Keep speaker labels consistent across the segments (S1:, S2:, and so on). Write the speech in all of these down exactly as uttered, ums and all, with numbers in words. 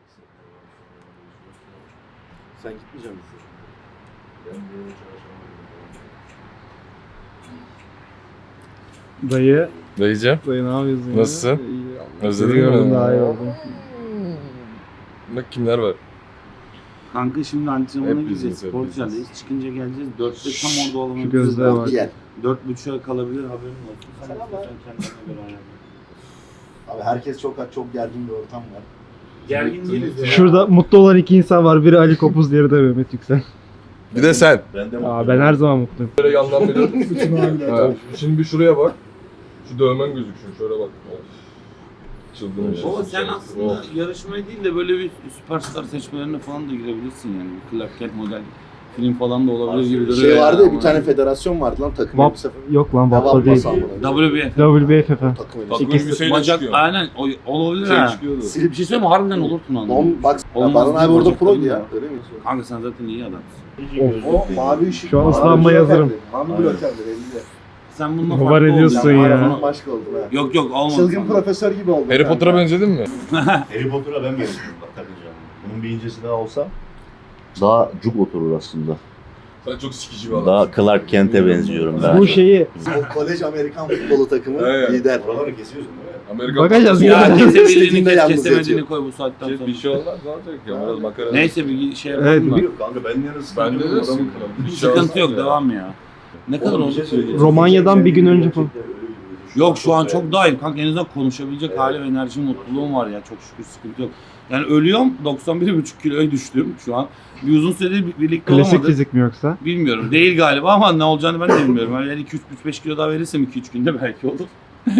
S1: Sen gitmeyecek misin?
S2: Dayı.
S3: Dayıcım.
S2: Dayı ne yapıyorsun ya?
S3: Nasılsın?
S2: İyi.
S3: Özledin
S2: Seni gördüm,
S3: mi?
S2: daha iyi oldum.
S3: Bak kimler var.
S4: Kanka şimdi antrenmana
S3: Hep
S4: gideceğiz.
S3: biziz, hep
S4: Sporcularlayız. Çıkınca geleceğiz. Dörtte tam orada
S2: Şu
S4: olamayız.
S2: gözlüğe bak.
S1: Gel.
S4: Dört buçuğa kalabilir haberin olsun. Sen
S1: Selam
S4: istiyorsan kendine göre ayarla.
S1: Abi herkes çok çok gergin bir ortam var.
S4: Gergin değiliz ya.
S2: Şurada mutlu olan iki insan var. Biri Ali Kopuz, diğeri de Mehmet Yüksel.
S3: Bir de sen.
S1: Ben de
S2: Aa, ben her zaman mutluyum.
S3: Böyle yandan biri. Ha, şimdi bir şuraya bak. Şu dövmen gözüksün. Şöyle bak. Of. Çılgın bir şey.
S4: Baba sen aslında
S3: Of.
S4: yarışmaya değil de böyle bir süperstar seçmelerine falan da girebilirsin yani. Bir Clark Kent model film falan da olabilir gibi duruyor.
S1: Şey vardı ya,
S4: ama
S1: bir tane federasyon vardı lan, takım
S2: Vap,
S1: elbise.
S2: yok lan
S1: Vap
S2: Vap'ta değil.
S1: basan buna.
S4: W B F.
S2: W B F F.
S1: Takım elbise.
S3: Takım
S2: İkisi-
S3: elbiseyle
S4: Bacak
S3: çıkıyor.
S4: aynen o, olabilir
S3: Şey
S4: ha.
S3: çıkıyordu.
S4: Bir şey söyleyeyim mi? Harbiden olursun onu.
S1: On, bak
S4: Olmaz
S1: Baran abi
S4: değil,
S1: orada
S4: bacak
S1: proydu
S4: değil
S1: ya.
S4: ya.
S1: Öyle mi?
S4: Kanka sen zaten iyi adamsın.
S1: O mavi ışık.
S2: Şu an
S1: mavi
S2: ıslanmaya
S1: ışık
S2: hazırım.
S1: efendim. Mavi blokerdir elinde.
S4: Sen bununla
S2: Var
S4: farklı
S2: ediyorsun
S4: olacaksın.
S2: ya.
S4: Bana-
S1: Başka oldun ha.
S4: Yok yok olmaz.
S1: Çılgın
S4: sana.
S1: profesör gibi oldun.
S3: Harry Potter'a benzedin mi?
S5: Harry Potter'a ben benziyorum bak takınca. Bunun bir incesi daha olsa daha cuk oturur aslında.
S3: Sen çok sikici bir adamsın.
S5: Daha Clark Kent'e benziyorum ben.
S2: Bu şeyi
S1: O kolej Amerikan futbolu takımı
S3: Evet.
S1: lider.
S5: Oraları kesiyorsun değil mi?
S3: Amerikan
S2: bakacağız
S4: Ya
S2: ya.
S4: kesebildiğini
S1: İstediğinde
S4: kes,
S1: yalnız
S4: kesemediğini
S1: yatıyor.
S4: koy bu saatten
S3: Şey,
S4: sonra.
S3: bir şey olmaz ne olacak ya? Biraz makara.
S4: Neyse bir şey
S2: Evet,
S4: yapalım da.
S5: Yok kanka ben yarısı.
S3: Bende de sıkıntı. Bir şey
S4: Sıkıntı
S3: olmaz
S4: yok
S3: ya.
S4: devam ya. Ne kadar oldu?
S2: Romanya'dan bir gün önce falan.
S4: Yok şu an çok daha iyi kanka, en azından konuşabilecek hali ve enerji, mutluluğum var ya, çok şükür sıkıntı yok. Yani ölüyorum, doksan bir buçuk kiloya düştüm şu an. Bir uzun süredir bir- birlikte
S2: Klasik
S4: olamadık.
S2: fizik mi yoksa?
S4: Bilmiyorum, değil galiba ama ne olacağını ben de bilmiyorum. Yani iki üç beş kilo daha verirsem iki üç günde belki olur.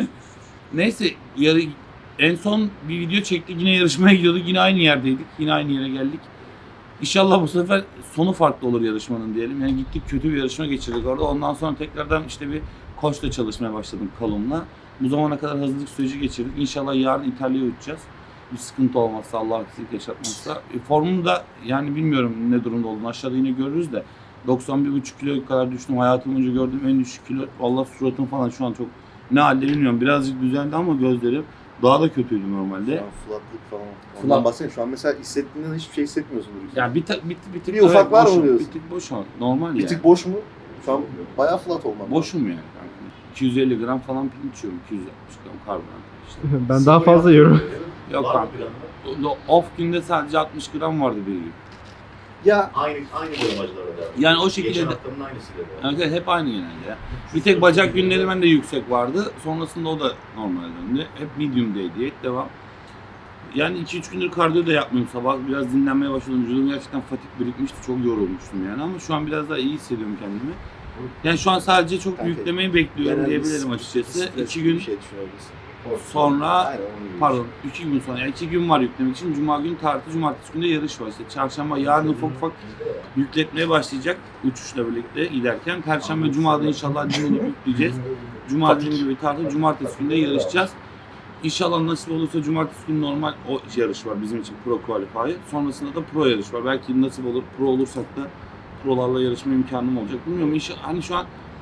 S4: Neyse yarı, en son bir video çektik, yine yarışmaya gidiyorduk, yine aynı yerdeydik, yine aynı yere geldik. İnşallah bu sefer sonu farklı olur yarışmanın diyelim. Yani gittik, kötü bir yarışma geçirdik orada. Ondan sonra tekrardan işte bir koçla çalışmaya başladım Kalum'la. Bu zamana kadar hazırlık süreci geçirdik. İnşallah yarın İtalya'ya uçacağız. Bir sıkıntı olmazsa, Allah aksilik yaşatmazsa. E, formum da yani bilmiyorum ne durumda olduğunu, aşağıda yine görürüz de. doksan bir buçuk kiloya kadar düştüm. Hayatım boyunca gördüğüm en düşük kilo. Vallahi suratım falan şu an çok ne halde bilmiyorum. Birazcık düzeldi ama gözlerim daha da kötüydü normalde.
S1: Şu an flatlık falan.
S4: Flat.
S1: Ondan bahsedeyim. Şu an mesela hissettiğinden hiçbir şey hissetmiyorsundur.
S4: Ya bir, ta, bir, bir tık
S1: Bir ufak var mı
S4: boşum,
S1: diyorsun?
S4: Bir tık boş ama normal
S1: Bir
S4: ya.
S1: tık boş mu? Şu an bayağı flat olmam.
S4: Boşum yani kanka. iki yüz elli gram falan pirinç yiyorum. iki yüz altmış gram karbonhidrat işte.
S2: Ben daha fazla yiyorum.
S4: Yok
S5: Var mı
S4: kanka.
S5: planı?
S4: Off günde sadece altmış gram vardı bir gün.
S1: Ya
S5: Aynı aynı boyamacılara devam.
S4: Yani o şekilde
S5: Geçen
S4: de,
S5: haftanın aynısıyla devam.
S4: yani evet, hep aynı genelde ya. Bir tek bacak günleri bende yüksek vardı. Sonrasında o da normal döndü. Hep medium'daydı. Hep devam. Yani iki üç gündür kardiyo da yapmıyorum sabah. Biraz dinlenmeye başladım. Vücudum gerçekten fatik birikmişti. Çok yorulmuştum yani ama şu an biraz daha iyi hissediyorum kendimi. Yani şu an sadece çok
S1: Kanka,
S4: yüklemeyi bekliyorum
S1: genel
S4: diyebilirim
S1: bir-
S4: açıkçası.
S1: stres
S4: İki
S1: gibi
S4: gün
S1: bir şey düşünebilirsin.
S4: sonra
S1: Aynen onun gibi.
S4: Pardon, iki gün sonra. Yani iki gün var yüklemek için. Cuma günü tartı, cumartesi günü de yarış var. İşte çarşamba, yarın ufak ufak yükletmeye başlayacak uçuşla birlikte giderken. Perşembe, cumada inşallah dinlenip yükleyeceğiz. Cuma dediğim gibi tartı, cumartesi günü de yarışacağız. İnşallah nasip olursa cumartesi günü normal o yarış var bizim için, pro qualify. Sonrasında da pro yarış var. Belki nasip olur, pro olursak da prolarla yarışma imkanım olacak. Bilmiyorum, inşallah hani şu an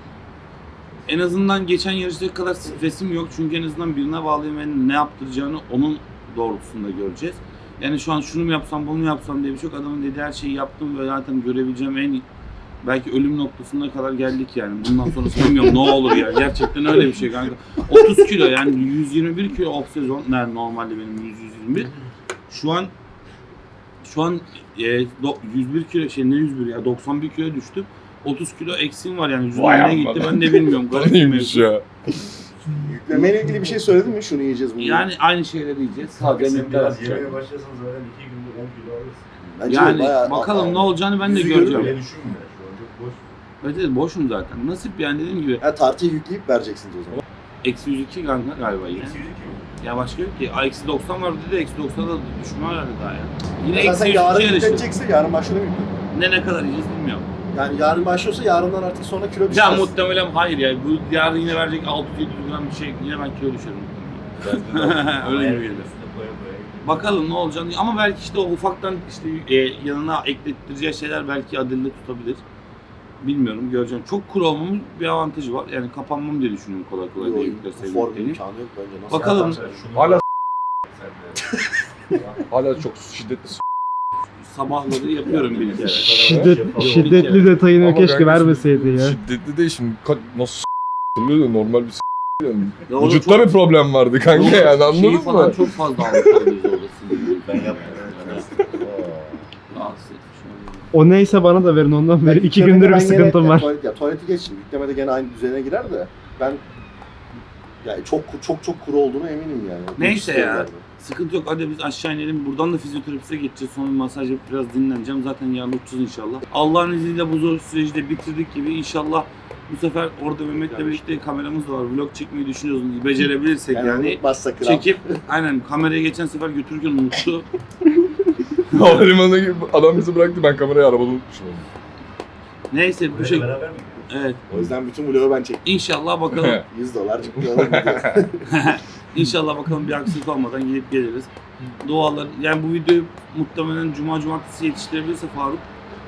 S4: en azından geçen yarıştaki kadar stresim yok çünkü en azından birine bağlıyım ve ne yaptıracağını onun doğrultusunda göreceğiz. Yani şu an şunu mu yapsam, bunu mu yapsam diye bir şey yok. Adamın dediği her şeyi yaptım ve zaten görebileceğim en belki ölüm noktasına kadar geldik yani. Bundan sonrası bilmiyorum ne olur ya. Gerçekten öyle bir şey kanka. otuz kilo yani yüz yirmi bir kilo off sezon. Yani normalde benim yüz yüz yirmi bir. Şu an şu an e, do, yüz bir kilo şey ne yüz bir ya doksan bir kilo düştüm. otuz kilo eksiğim var yani.
S3: Vay
S4: Vücudum ne gitti
S3: amma.
S4: ben de bilmiyorum. Garip bir
S3: Neymiş
S4: mevzu.
S3: ya?
S1: Yüklemeyle ilgili bir şey söyledin mi? Şunu yiyeceğiz bunu.
S4: Yani aynı şeyleri yiyeceğiz.
S5: Kanka
S4: Sadece
S5: sen
S4: netler
S5: biraz
S4: artacak.
S5: yemeye başlasan zaten iki günde on kilo alırsın.
S1: Bence
S4: Yani
S1: bayağı-
S4: bakalım ne olacağını ben de
S5: Yüzü
S4: göreceğim.
S5: Öyle düşünme. Şu an çok boş.
S4: Evet, evet boşum zaten. Nasip yani dediğim gibi.
S1: Ha, tartıyı yükleyip vereceksiniz o zaman.
S4: Eksi yüz iki kanka galiba yine.
S5: Eksi yüz iki.
S4: Ya başka yok ki. Eksi doksan var dedi de eksi doksana da düşme herhalde daha ya. Yine
S1: Mesela
S4: eksi
S1: sen
S4: yüz
S1: yarın
S4: iki yarışı.
S1: yüklenecekse yarın başlıyor mu?
S4: Ne ne kadar yiyeceğiz bilmiyorum.
S1: Yani yarın başlıyorsa yarından artık sonra kilo
S4: Ya
S1: düşmez.
S4: muhtemelen hayır ya. Bu yarın yine verecek altı yüz yedi yüz gram bir şey. Yine ben kilo düşerim. Öyle gibi geliyor.
S5: Koya koya.
S4: Bakalım ne olacağını ama belki işte o ufaktan işte e, yanına eklettireceği şeyler belki adille tutabilir. Bilmiyorum, göreceğim. Çok kuru olmamın bir avantajı var. Yani kapanmam diye düşünüyorum kolay kolay
S1: Yok,
S4: değil.
S1: bu form imkanı yok bence. Nasıl
S4: Bakalım.
S5: Şunu
S3: Hala
S5: sen de.
S3: Hala çok şiddetli s***.
S4: Sabahları yapıyorum bir kere.
S2: Şiddet, şiddetli detayını
S3: Ama
S2: keşke
S3: kanka
S2: vermeseydi
S3: şimdi
S2: ya.
S3: Şiddetli değil şimdi. Ka- nasıl s***lığı normal bir s***. Yani.
S4: Ya orada
S3: Vücutta
S4: çok-
S3: bir problem vardı kanka yani anladın
S4: Şeyi
S3: mı?
S4: falan çok fazla almış olabiliriz orada.
S5: Ben yapmadım.
S4: Rahatsız etmiş olabilir.
S2: O neyse bana da verin ondan beri. iki
S1: Yüklemede
S2: gündür bir
S1: ben gene-
S2: sıkıntım
S1: ya,
S2: var.
S1: Tuvalet, ya tuvaleti geçtim. Yüklemede gene aynı düzene girer de ben yani çok çok çok kuru olduğunu eminim yani.
S4: Neyse
S1: Hiç
S4: ya.
S1: sevmem.
S4: Sıkıntı yok. Hadi biz aşağı inelim. Buradan da fizyoterapiste geçeceğiz. Sonra bir masaj yapıp biraz dinleneceğim. Zaten yarın uçacağız inşallah. Allah'ın izniyle bu zor süreci de bitirdik gibi. İnşallah bu sefer orada Mehmet'le birlikte kameramız da var. Vlog çekmeyi düşünüyoruz. Becerebilirsek
S1: Yani,
S4: yani.
S1: unutmazsa kral.
S4: Çekip aynen kamerayı geçen sefer götürürken unuttu.
S3: Havalimanına gibi adam bizi bıraktı ben kamerayı arabada unutmuşum.
S4: Neyse bu şey.
S5: Beraber mi?
S4: Evet.
S1: O yüzden bütün vlogu ben çektim.
S4: İnşallah bakalım.
S1: yüz dolar çıktı. Oğlum gidiyor.
S4: İnşallah bakalım bir aksilik olmadan gidip geliriz. Dualar. Yani bu videoyu muhtemelen Cuma Cumartesi yetiştirebilirse Faruk.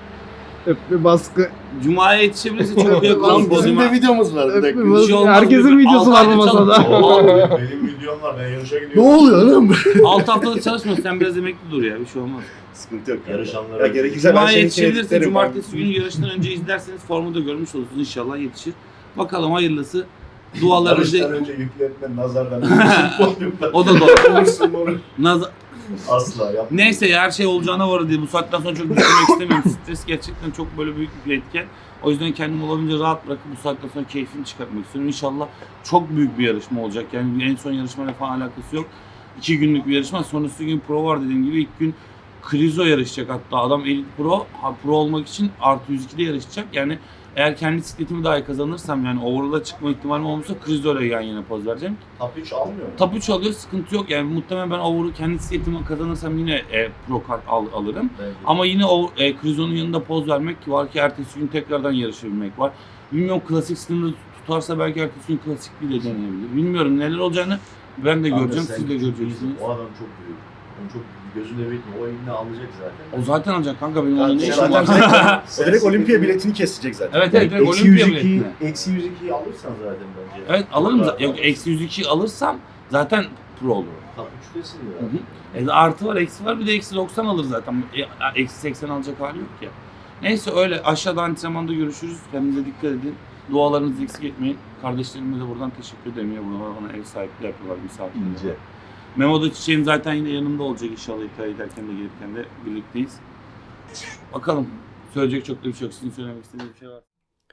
S2: Öp bir baskı.
S4: Cuma'ya yetişebilirse çok yakın.
S1: Lan bizim
S4: Cuma-
S1: de videomuz var bir
S2: Öp
S1: dakika.
S2: bir baskı.
S4: şey olmaz,
S2: Herkesin
S4: bir-
S2: videosu
S4: altı
S2: var bu
S4: ayda
S2: masada.
S4: çalışma.
S5: Oo, benim videom var. Ben yarışa
S1: Ne
S5: gidiyorum.
S1: oluyor oğlum?
S4: altı haftada çalışmıyorsun. Sen biraz emekli dur ya. Bir şey olmaz.
S1: Sıkıntı yok.
S5: Yarış anları.
S1: Ya gerekirse ben
S4: Cuma'ya
S1: senin için
S4: yetişebilirse
S1: editlerim.
S4: Cumartesi günü yarıştan önce izlerseniz formu da görmüş olursunuz. İnşallah yetişir. Bakalım hayırlısı. Dualarınızı...
S5: Yarıştan önce yükletme, nazardan. Podyumda.
S4: O da doğru.
S5: Olursun onu.
S4: Naz-
S5: Asla yap.
S4: Neyse ya her şey olacağına var diye bu saatten sonra çok düşünmek istemiyorum. Stres gerçekten çok böyle büyük bir etken. O yüzden kendimi olabildiğince rahat bırakıp bu saatten sonra keyfini çıkartmak istiyorum. İnşallah çok büyük bir yarışma olacak. Yani en son yarışmayla falan alakası yok. İki günlük bir yarışma. Sonrası gün pro var dediğim gibi. İlk gün Krizo yarışacak hatta. Adam Elite Pro. Ha, pro olmak için artı yüz ikide yarışacak. Yani eğer kendi bisikletimi dahi kazanırsam yani overall'a çıkma ihtimalim olmazsa Krizo ile yan yana poz vereceğim.
S5: Top üç almıyor mu?
S4: Top üç alıyor, sıkıntı yok. Yani muhtemelen ben overall'u kendi bisikletimi kazanırsam yine e, pro kart al, alırım.
S5: Bence.
S4: Ama yine o e, Krizo'nun yanında poz vermek var ki ertesi gün tekrardan yarışabilmek var. Bilmiyorum klasik sınırı tutarsa belki ertesi gün klasik bile deneyebilir. Bilmiyorum neler olacağını ben de
S5: Kanka
S4: göreceğim,
S5: sen
S4: siz de
S5: çok
S4: göreceksiniz.
S5: iyisin. O adam çok büyük. Onu çok gözünde bitme. O elini alacak zaten.
S4: O zaten alacak kanka benim
S5: Kanka
S4: onun ne işim
S1: Zaten
S4: var.
S1: direkt, o direkt olimpiya biletini kesecek zaten.
S4: Evet evet direkt
S5: Eksi
S4: olimpiya
S5: yüz iki,
S4: biletine.
S5: eksi yüz ikiyi alırsan zaten bence.
S4: Evet alırım
S5: Çok
S4: zaten. Yok
S5: rahat.
S4: eksi yüz iki alırsam zaten pro olurum.
S5: Top üçtesin
S4: Hı
S5: ya.
S4: hı. E, artı var, eksi var. Bir de eksi doksan alır zaten. E, eksi seksen alacak hali yok ya. Neyse öyle. Aşağıda antrenmanda görüşürüz. Kendinize dikkat edin. Dualarınızı eksik etmeyin. Kardeşlerime de buradan teşekkür ederim ya. Buna bana ev sahipliği yapıyorlar misafirler.
S5: İnce.
S4: Memo da Çiçeğim zaten yine yanımda olacak inşallah. İtalya'ya giderken de gelirken de birlikteyiz. Bakalım. Söyleyecek çok da bir şey yok. Sizin söylemek istediğiniz bir şey var.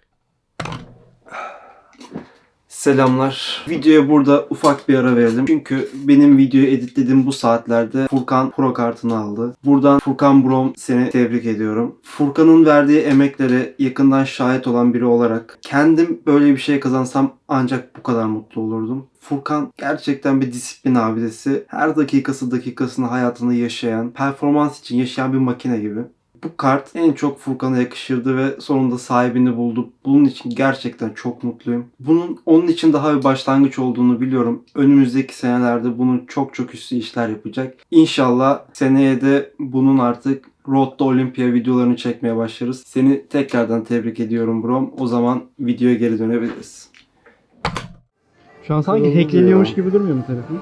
S2: Selamlar. Videoya burada ufak bir ara verelim. Çünkü benim videoyu editlediğim bu saatlerde Furkan Pro kartını aldı. Buradan Furkan Brom seni tebrik ediyorum. Furkan'ın verdiği emeklere yakından şahit olan biri olarak kendim böyle bir şey kazansam ancak bu kadar mutlu olurdum. Furkan gerçekten bir disiplin abidesi. Her dakikası dakikasını hayatını yaşayan, performans için yaşayan bir makine gibi. Bu kart en çok Furkan'a yakışırdı ve sonunda sahibini buldu. Bunun için gerçekten çok mutluyum. Bunun onun için daha bir başlangıç olduğunu biliyorum. Önümüzdeki senelerde bunun çok çok üstü işler yapacak. İnşallah seneye de bunun artık Road to Olympia videolarını çekmeye başlarız. Seni tekrardan tebrik ediyorum Brom. O zaman videoya geri dönebiliriz. Şu an sanki hackleniyormuş gibi durmuyor mu telefon?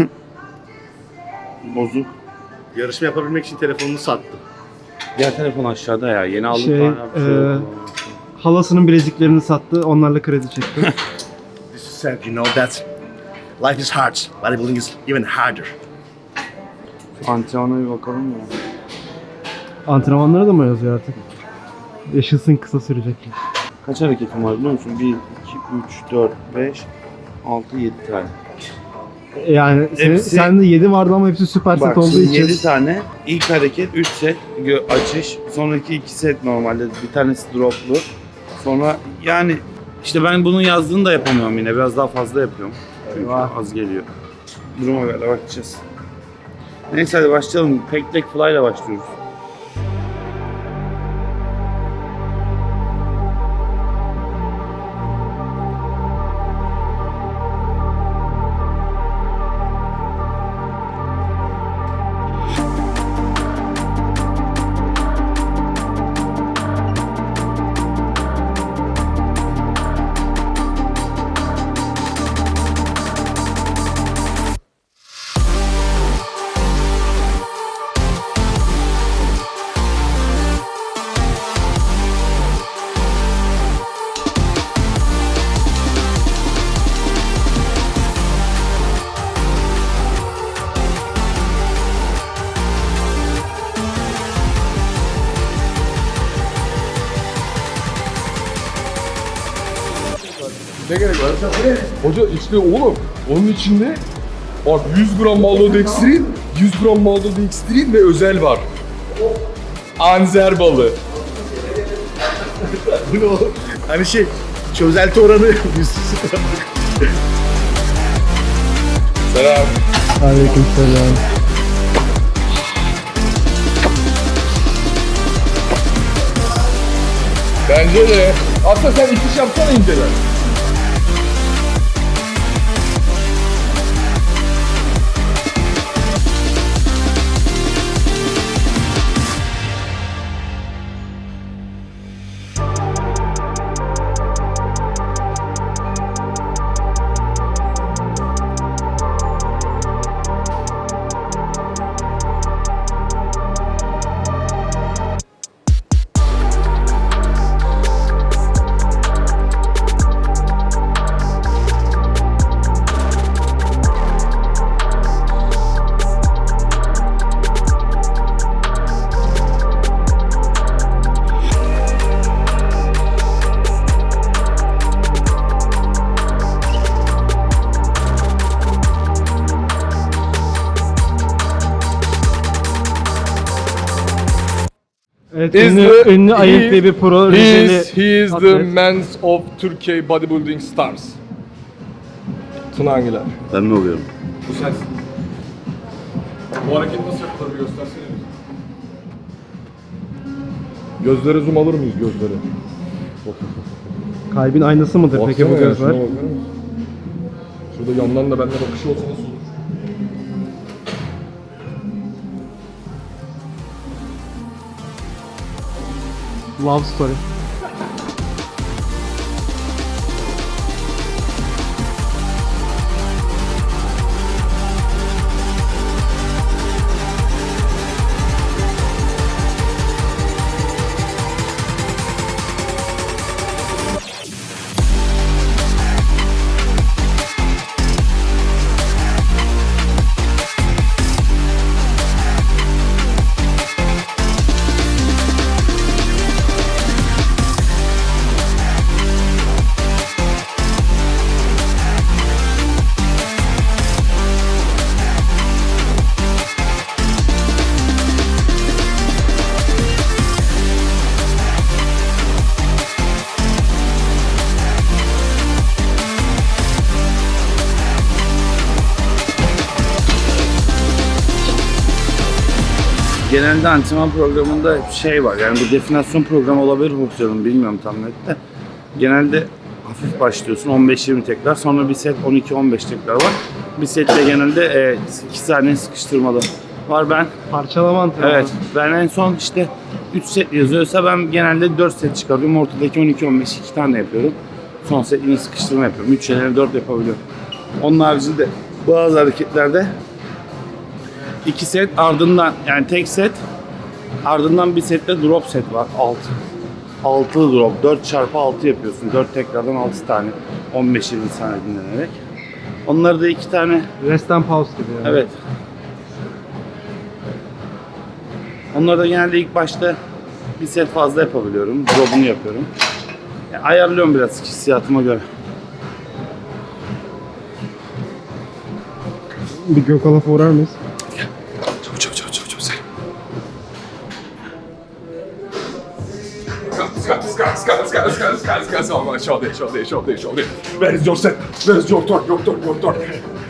S1: Bozuk. Yarışma yapabilmek için telefonunu sattı.
S4: Diğer telefon aşağıda ya. Yeni aldık
S2: Şey,
S4: falan. bir şey
S2: eee,
S4: yok.
S2: Halasının bileziklerini sattı. Onlarla kredi çekti.
S1: This is sad, you know that life is hard. Bodybuilding is even harder.
S4: Antrenmana bir bakalım ya.
S2: Antrenmanlara da mı yazıyor artık? Yaşasın kısa sürecek.
S4: Kaç hareketim var biliyor musun? bir, iki, üç, dört, beş, altı, yedi tane.
S2: Yani senin,
S4: Hepsi-
S2: sende yedi vardı ama hepsi süper set
S4: Bak
S2: olduğu
S4: şimdi
S2: için.
S4: yedi tane. İlk hareket üç set gö- açış. Sonraki iki set normalde. Bir tanesi droplu. Sonra yani işte ben bunun yazdığını da yapamıyorum yine. Biraz daha fazla yapıyorum. Çünkü
S2: Eyvah.
S4: az geliyor. Duruma göre bakacağız. Neyse hadi başlayalım. Pek tek fly ile başlıyoruz.
S3: Ne gerek var? Hoca işte oğlum onun içinde bak yüz gram maltodextrin, yüz gram maltodextrin ve özel var. Anzer balı.
S1: Bu ne oğlum? Hani şey, çözelti oranı yüz sıfır.
S3: Selam.
S2: Aleykümselam.
S3: Bence de. Aslında sen itiş yapsana inceler.
S6: Evet,
S3: Is
S6: ünlü,
S3: the-
S6: ünlü
S3: he-
S6: Ayıp diye bir pro
S3: He
S6: Rizeli
S3: is, he is the
S6: atlet.
S3: man of Turkey bodybuilding stars. Tuna Angiler.
S5: Ben mi oluyorum?
S3: Bu sensin. Bu hareket nasıl yapılır bir göstersene bize. Gözlere zoom alır mıyız gözlere?
S6: Kalbin aynası mıdır peki bu
S3: Baksana ya,
S6: gözler?
S3: şuna bakar mısın? Şurada yandan da bende bakışı olsa nasıl olur?
S6: Love story.
S4: Genelde antrenman programında hep şey var, yani bir definasyon programı olabilir hocanın, bilmiyorum tam net de. Genelde hafif başlıyorsun, on beş yirmi tekrar, sonra bir set on iki on beş tekrar var. Bir sette genelde e, iki saniye sıkıştırmalı var. Ben
S6: Parçalama antrenmanı.
S4: evet, ben en son işte üç set yazıyorsa ben genelde dört set çıkarıyorum. Ortadaki on iki on beş iki tane yapıyorum. Son set yine sıkıştırma yapıyorum. üç yerine dört yapabiliyorum. Onun haricinde bazı hareketlerde iki set ardından, yani tek set ardından bir sette drop set var. altı. altı drop. dört çarpı altı yapıyorsun. dört tekrardan altı tane. on beş yirmi saniye dinlenerek. Onları da iki tane.
S6: Rest and pause gibi yani.
S4: Evet. Onları da genelde ilk başta bir set fazla yapabiliyorum. Drop'unu yapıyorum. Yani ayarlıyorum biraz hissiyatıma göre.
S6: Bir Gökalaf'a uğrar mıyız?
S4: Çabuk çabuk çabuk çabuk çabuk.
S3: Skat, skat, skat, skat, skat, skat, skat, skat, shoulder, shoulder, shoulder, shoulder. Where is your set? Where is your torque, your torque, your torque?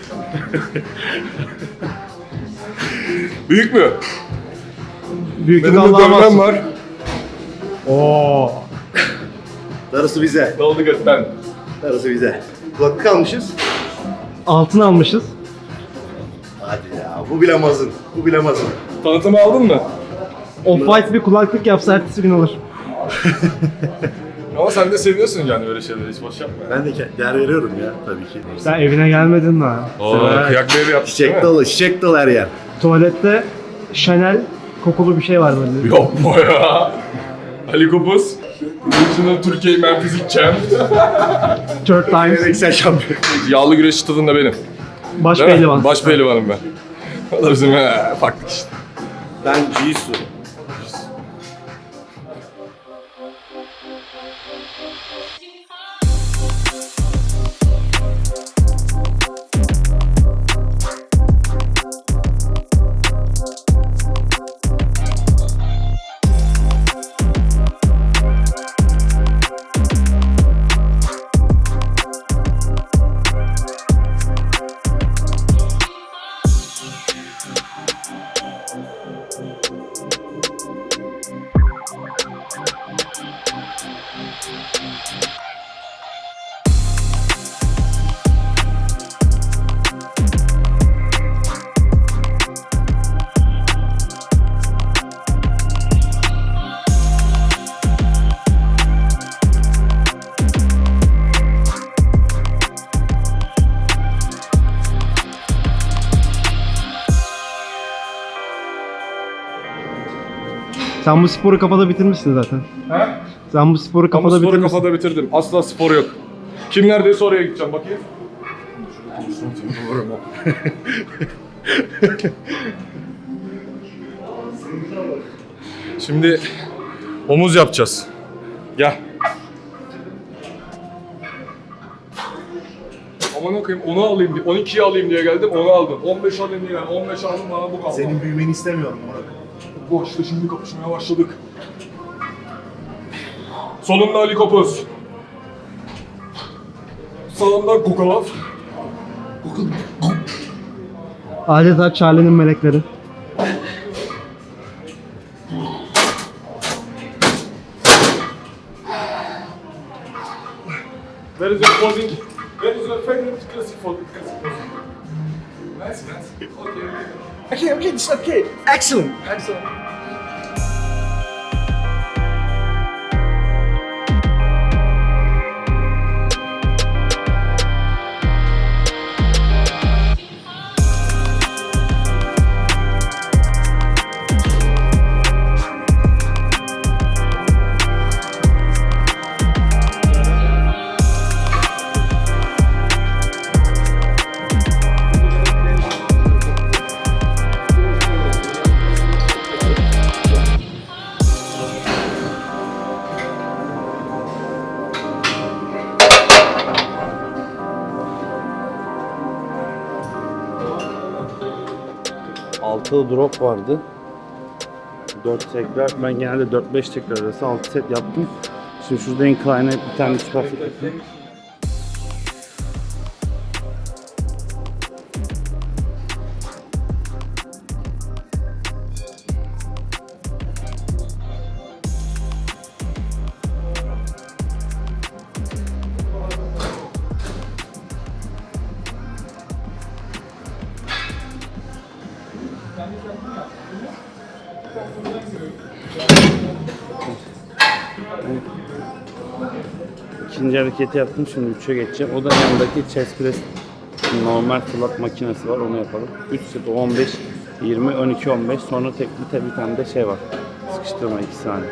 S3: Büyük mü?
S6: Büyüklük
S3: Benim de
S6: Allah'a
S3: dövmem
S6: mahsus.
S3: var.
S6: Oo.
S1: Darısı bize.
S3: Ne oldu götten?
S1: Darısı bize. Kulaklık almışız.
S6: Altın almışız.
S1: Hadi ya, bu bilemezsin. Bu bilemezsin.
S3: Tanıtımı aldın mı?
S6: Off-white bir kulaklık yapsa ertesi gün alır.
S3: Ama sen de seviyorsun yani öyle şeyleri, hiç boş yapma.
S1: Ben de ke- değer veriyorum ya tabii ki.
S6: Sen evine gelmedin daha.
S3: Oo, kıyak bir evi yaptık değil
S1: Çiçek
S3: mi?
S1: dolu, çiçek dolu her yer.
S6: Tuvalette Chanel kokulu bir şey var böyle.
S3: Yapma ya. Ali Kopuz. Original Türkiye Men Fizik Champ.
S6: Third times.
S1: Geleneksel şampiyon.
S3: Yağlı güreşçi tadında benim.
S6: Baş
S3: Değil mi?
S6: pehlivan.
S3: Baş pehlivanım ben. O da bizim he, farklı işte.
S1: Ben Jisoo.
S6: Sen bu sporu kafada bitirmişsin zaten.
S3: He?
S6: Sen bu sporu
S3: Ben bu
S6: kafada
S3: sporu
S6: bitirmişsin.
S3: kafada bitirdim. Asla spor yok. Kim neredeyse oraya gideceğim bakayım. Şimdi omuz yapacağız. Gel. Aman okuyayım onu alayım diye, on ikiyi alayım diye geldim, onu aldım. on beş alayım diye geldim, on beş aldım, bana bu kaldı.
S5: Senin büyümeni istemiyorum Murat.
S3: Bu işte şimdi kapışmaya başladık. Solunda Ali Kopuz. Sağında Kukalaf.
S6: Adeta Charlie'nin melekleri.
S3: Where is your posing? Where is your favorite classic posing? Nice, nice. Okay. Okay, okay, it's okay. Excellent. Excellent.
S4: altı drop vardı. dört tekrar. Ben genelde dört beş tekrar arası altı set yaptım. Şimdi şurada incline'e bir tane süperset yapayım. İkinci hareketi yaptım, şimdi üçe geçeceğim. O da yanındaki chest press normal flat makinesi var, onu yapalım. üç set, on beş, yirmi, on iki, on beş. Sonra tek bir, bir tane de şey var. Sıkıştırma iki saniye.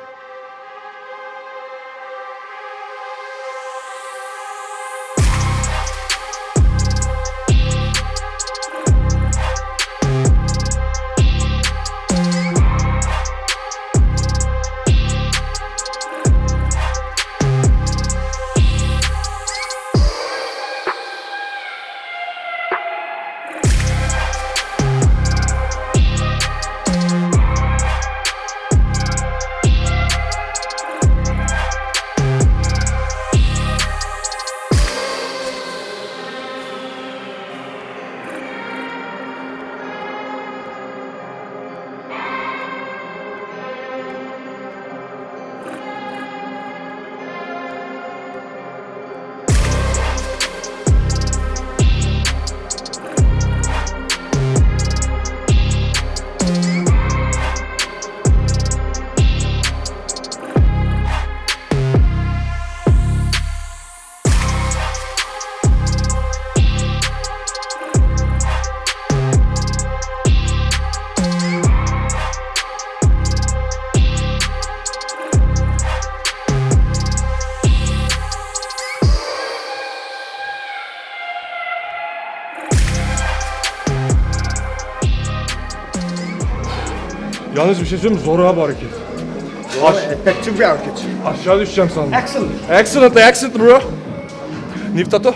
S3: Yalnız bir şey söyleyeyim mi? Zor abi hareket.
S1: Zor, efektif bir hareket.
S3: Aşağı düşeceğim sandım. Excellent. Excellent, excellent bro. Niftato.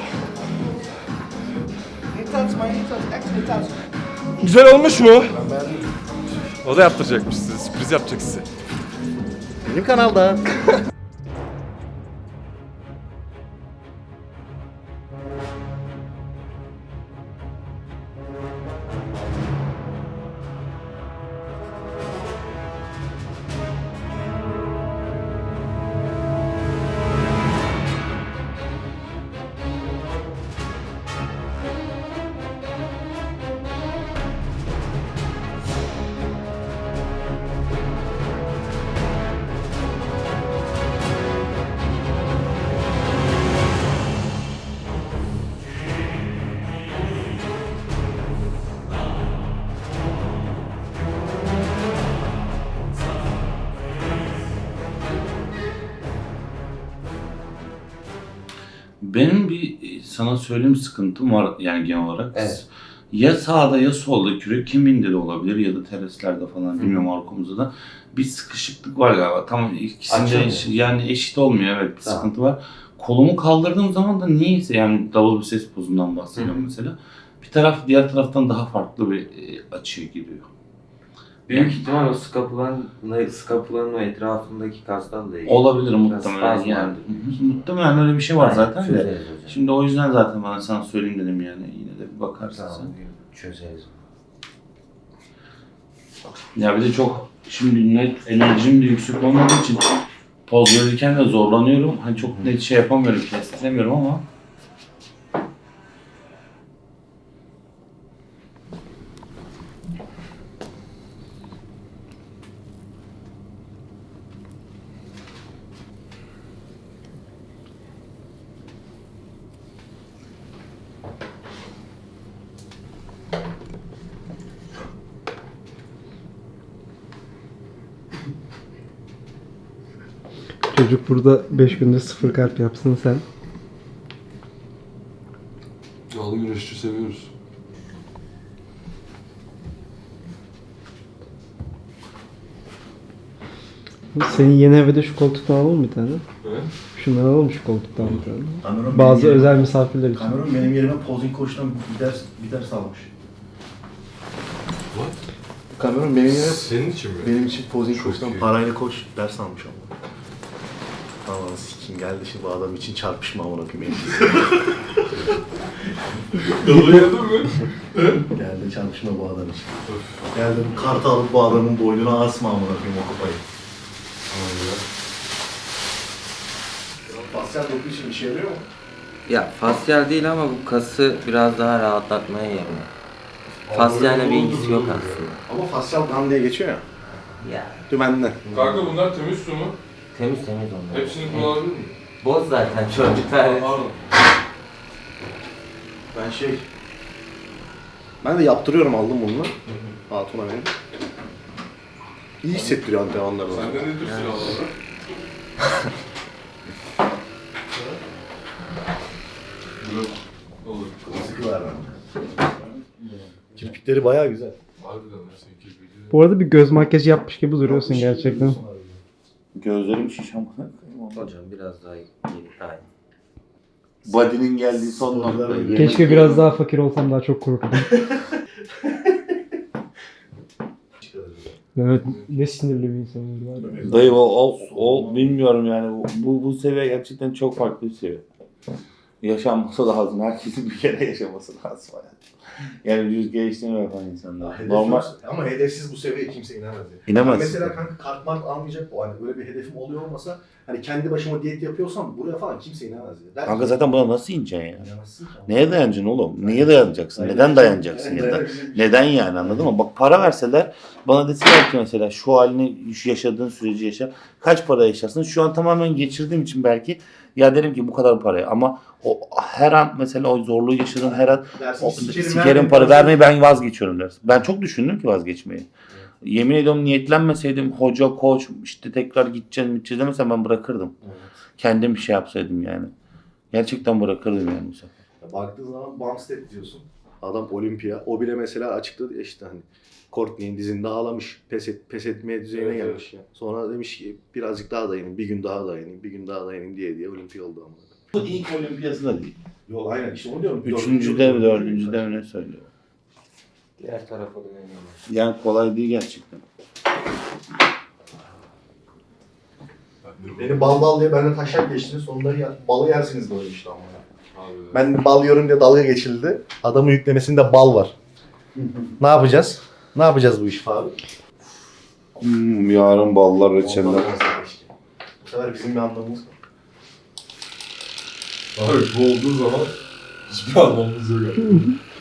S3: Güzel olmuş mu? O da yaptıracakmış size, sürpriz yapacak size.
S1: Benim kanalda.
S4: Benim bir sana söyleyeyim sıkıntım var yani genel olarak.
S7: Evet.
S4: Ya sağda ya solda kürek kemiğinde de olabilir ya da terslerde falan bilmiyorum arkamızda da bir sıkışıklık var galiba. Tam ikisinde
S7: Açılmıyor.
S4: eş- yani eşit olmuyor, evet bir
S7: Tamam.
S4: sıkıntı var. Kolumu kaldırdığım zaman da niyeyse yani double biceps pozundan bahsediyorum
S7: Hı.
S4: mesela. Bir taraf diğer taraftan daha farklı bir e, açıya giriyor.
S7: Büyük ihtimal o skapulanın, skapulanın o etrafındaki kastan da ilgili.
S4: Olabilir
S7: Biraz
S4: muhtemelen
S7: spazm
S4: yani.
S7: vardır.
S4: Hı hı. Muhtemelen öyle bir şey var
S7: Aynen,
S4: zaten de.
S7: çözeriz hocam.
S4: Şimdi o yüzden zaten bana sana söyleyeyim dedim yani. Yine de bir bakarsın
S7: Tamam,
S4: sen.
S7: çözeriz.
S4: Ya bir de çok şimdi net enerjim de yüksek olmadığı için poz verirken de zorlanıyorum. Hani çok net şey yapamıyorum, kestiremiyorum ama
S6: Çocuk burada beş günde sıfır kalp yapsın sen.
S3: Yağlı güreşçi seviyoruz.
S6: Senin yeni evde şu koltuktan alalım bir tane.
S3: Evet.
S6: Şundan alalım şu koltuktan bir tane.
S1: Kameron
S6: Bazı
S1: benim
S6: özel
S1: yerime-
S6: misafirler için.
S1: Kameron benim yerime posing koçtan bir ders, bir ders almış.
S3: What?
S1: Kameron benim yerime
S3: Senin için mi?
S1: benim için posing
S3: Çok
S1: koçtan
S3: iyi.
S1: parayla koç ders almış ama. Aman sikim geldi şimdi bu adam için çarpışma amına koyayım.
S3: Dalayadın mı?
S1: Geldi çarpışma bu adam için. Geldi bu kartı alıp bu adamın boynuna asma amına koyayım o kupayı. Fasyal doku için işe yarıyor mu?
S7: Ya fasyal değil ama bu kası biraz daha rahatlatmaya yarıyor. Fasyayla bir ilgisi yok aslında.
S1: Ama fasyal gan diye geçiyor ya.
S7: Ya
S1: Dümenden.
S3: Kanka bunlar temiz su mu?
S7: temiz temiz onlar.
S3: Hepsini kullanabilir miyim?
S7: Boz zaten çocuklar.
S3: Pardon.
S1: Ben şey... Ben de yaptırıyorum aldım bunu. Hatun'a benim. İyi hissettiriyor antrenmanlarda.
S3: Sende ne tür silahlar var? Yok. Olur.
S1: Sıkı ver bende. Kirpikleri bayağı güzel.
S3: Harbiden lan seninki video.
S6: Bu arada bir göz makyajı yapmış gibi duruyorsun gerçekten.
S4: gözlerim şiş ama.
S7: Hocam biraz daha geri. Aynen.
S4: Body'nin geldiği son nokta.
S1: Keşke
S6: Keşke biraz daha fakir olsam daha çok korkurdum. Evet, ne sinirli bir insanım var. ya.
S4: Dayı o, o, o bilmiyorum yani bu, bu seviye gerçekten çok farklı bir seviye. Yaşanması lazım. Herkesin bir kere yaşaması lazım. Yani yüz geliştirme yapan insanlar.
S1: Hedef
S4: Normal.
S1: yok. Ama hedefsiz bu seviyeye kimse inemez. Ya.
S4: İnemez.
S1: Ben mesela kanka kart mart almayacak o. Hani böyle bir hedefim oluyor olmasa hani kendi başıma diyet yapıyorsam buraya falan kimse inemez ya. Der
S4: Kanka
S1: ki,
S4: zaten buna nasıl ineceksin ya?
S1: "İnemezsin ki ama."
S4: Neye dayanacaksın oğlum? Niye dayanacaksın? Neden dayanacaksın ya da? Neden yani anladın mı? Bak para verseler bana deseler ki mesela şu halini şu yaşadığın süreci yaşa. Kaç para yaşarsın? Şu an tamamen geçirdiğim için belki ya derim ki bu kadar paraya ama o her an mesela o zorluğu yaşadığım her an
S1: Dersin,
S4: o,
S1: sikerim,
S4: sikerim
S1: vermeyeyim,
S4: para
S1: dersin.
S4: vermeyi ben vazgeçiyorum dersin. Ben çok düşündüm ki vazgeçmeyi. Yemin ediyorum niyetlenmeseydim hoca, koç işte tekrar gideceğim gideceğiz demesem ben bırakırdım.
S1: Evet.
S4: Kendim bir şey yapsaydım yani. Gerçekten bırakırdım yani bu sefer.
S1: Ya baktığın zaman Bumstead diyorsun. Adam olimpiya. O bile mesela açıkladı ya işte hani Courtney'in dizinde ağlamış. Pes, et, pes etmeye düzeyine
S3: Evet,
S1: gelmiş. Sonra demiş ki birazcık daha dayanayım, bir gün daha dayanayım, bir gün daha dayanayım diye diye olimpiya oldu ama.
S4: Bu ilk olimpiyası da değil.
S1: Yok aynen işte onu diyorum.
S4: Üçüncü de dördüncü de ne söylüyor.
S7: Diğer tarafa dönüyorum.
S4: Yani kolay değil gerçekten.
S1: Beni bal bal diye benden taşak geçtiniz. Sonunda ya, balı yersiniz böyle işte ama.
S3: Harbiden.
S1: Ben bal yiyorum diye dalga geçildi. Adamın yüklemesinde bal var. Ne yapacağız? Ne yapacağız bu iş abi?
S4: Hmm, yarın ballar
S1: Bu sefer bizim bir anlamımız var.
S3: Abi bu olduğu zaman hiçbir anlamımız yok. Yani.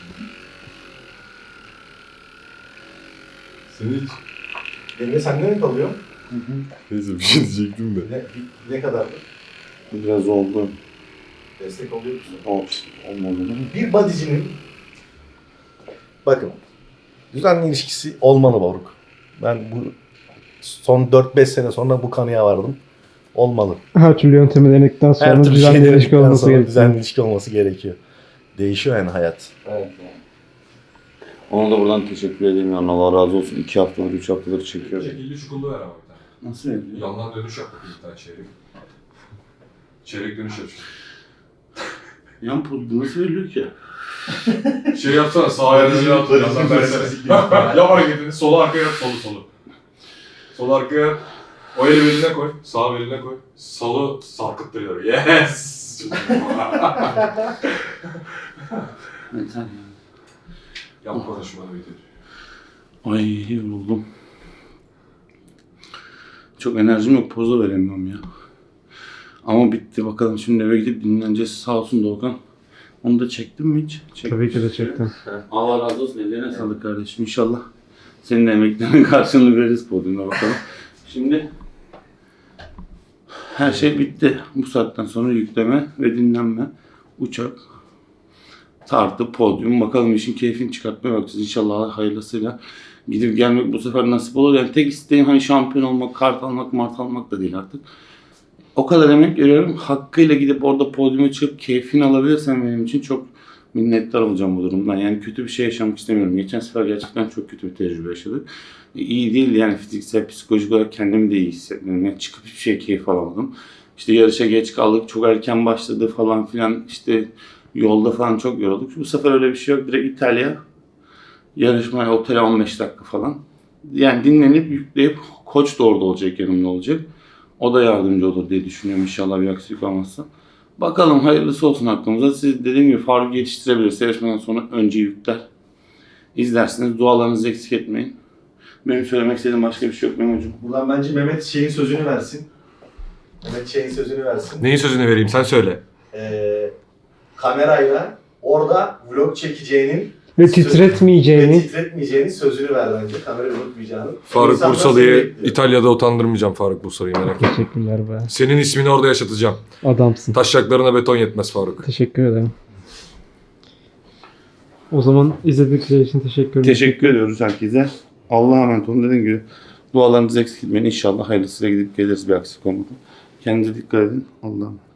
S3: Senin hiç...
S1: Emre sende ne kalıyor?
S3: Neyse bir şey diyecektim de.
S1: Ne, ne kadardı?
S4: Biraz oldu.
S1: Destek oluyor musun?
S4: Olsun. Olmadı değil mi?
S1: Bir bodycinin bakın düzenli ilişkisi olmalı Baruk. Ben bu son dört beş sene sonra bu kanıya vardım.
S5: olmalı.
S6: Her türlü yöntemi denedikten sonra
S5: Her türlü
S6: düzenli
S5: şey
S6: ilişki
S5: denedikten
S6: olması
S5: sonra
S6: gerekiyor.
S5: düzenli ilişki olması gerekiyor. Değişiyor yani hayat.
S4: Evet. Ona da buradan teşekkür edeyim yani Allah razı olsun. iki haftadır, üç haftadır çekiyorum.
S3: Şekilli çukurlu ver abi bir tane.
S4: Nasıl öyle?
S3: Yandan dönüş yap bakayım bir tane çeyrek. Çeyrek dönüş yap.
S4: Yan pozdu nasıl veriliyor ki?
S3: Şey yapsana sağ ayağını at. Yandan versene. Yap hareketini. Solu arkaya yap. Solu solu. Sol arkaya. O eli beline koy. Sağ beline koy. Solu sarkıttırıyor. Yes!
S4: Yeter ya.
S3: Yap konuşmanı bitir.
S4: Ay yoruldum. Çok enerjim yok, poz da veremiyorum ya. Ama bitti bakalım şimdi eve gidip dinleneceğiz. Sağ olsun Doğukan. Onu da çektin mi hiç? Çektim.
S6: Tabii ki de çektim.
S4: Allah razı olsun. Ellerine sağlık kardeşim. İnşallah senin emeklerinin karşılığını veririz podyumda bakalım. Şimdi her şey bitti. Bu saatten sonra yükleme ve dinlenme. Uçak, tartı, podyum. Bakalım işin keyfini çıkartmaya bakacağız. İnşallah hayırlısıyla gidip gelmek bu sefer nasip olur. Yani tek isteğim hani şampiyon olmak, kart almak, mart almak da değil artık. O kadar emek veriyorum. Hakkıyla gidip orada podyuma çıkıp keyfini alabilirsem benim için çok minnettar olacağım bu durumdan. Yani kötü bir şey yaşamak istemiyorum. Geçen sefer gerçekten çok kötü bir tecrübe yaşadık. İyi değil yani fiziksel, psikolojik olarak kendimi de iyi hissetmiyorum. Yani çıkıp hiçbir şey keyif alamadım. İşte yarışa geç kaldık, çok erken başladı falan filan. İşte yolda falan çok yorulduk. Bu sefer öyle bir şey yok. Direkt İtalya yarışmaya, otele on beş dakika falan. Yani dinlenip yükleyip koç da orada olacak, yanımda olacak. O da yardımcı olur diye düşünüyorum inşallah bir aksilik olmazsa. Bakalım hayırlısı olsun aklımıza. Siz dediğim gibi Faruk yetiştirebilirse yarışmadan sonra önce yükler. İzlersiniz. Dualarınızı eksik etmeyin. Benim söylemek istediğim başka bir şey yok Memo'cum.
S1: Buradan bence Mehmet şeyin sözünü versin. Mehmet şeyin sözünü versin.
S3: Neyin sözünü vereyim sen söyle.
S1: Ee, kamerayla orada vlog çekeceğinin
S6: Ve
S1: söz-
S6: titretmeyeceğini.
S1: ve titretmeyeceğinin sözünü ver bence. Kamerayı unutmayacağını.
S3: Faruk
S1: İnsanlar seni
S3: Bursalı'yı
S1: bekliyor.
S3: İtalya'da utandırmayacağım Faruk Bursalı'yı merak etme.
S6: Teşekkürler be.
S3: Senin ismini orada yaşatacağım.
S6: Adamsın.
S3: Taşacaklarına beton yetmez Faruk.
S6: Teşekkür ederim. O zaman izledikleri için teşekkür ederim.
S4: Teşekkür ediyoruz herkese. Allah'a emanet olun. Dediğim gibi dualarınızı eksik etmeyin. İnşallah hayırlısıyla gidip geliriz bir aksilik olmadan. Kendinize dikkat edin. Allah'a emanet.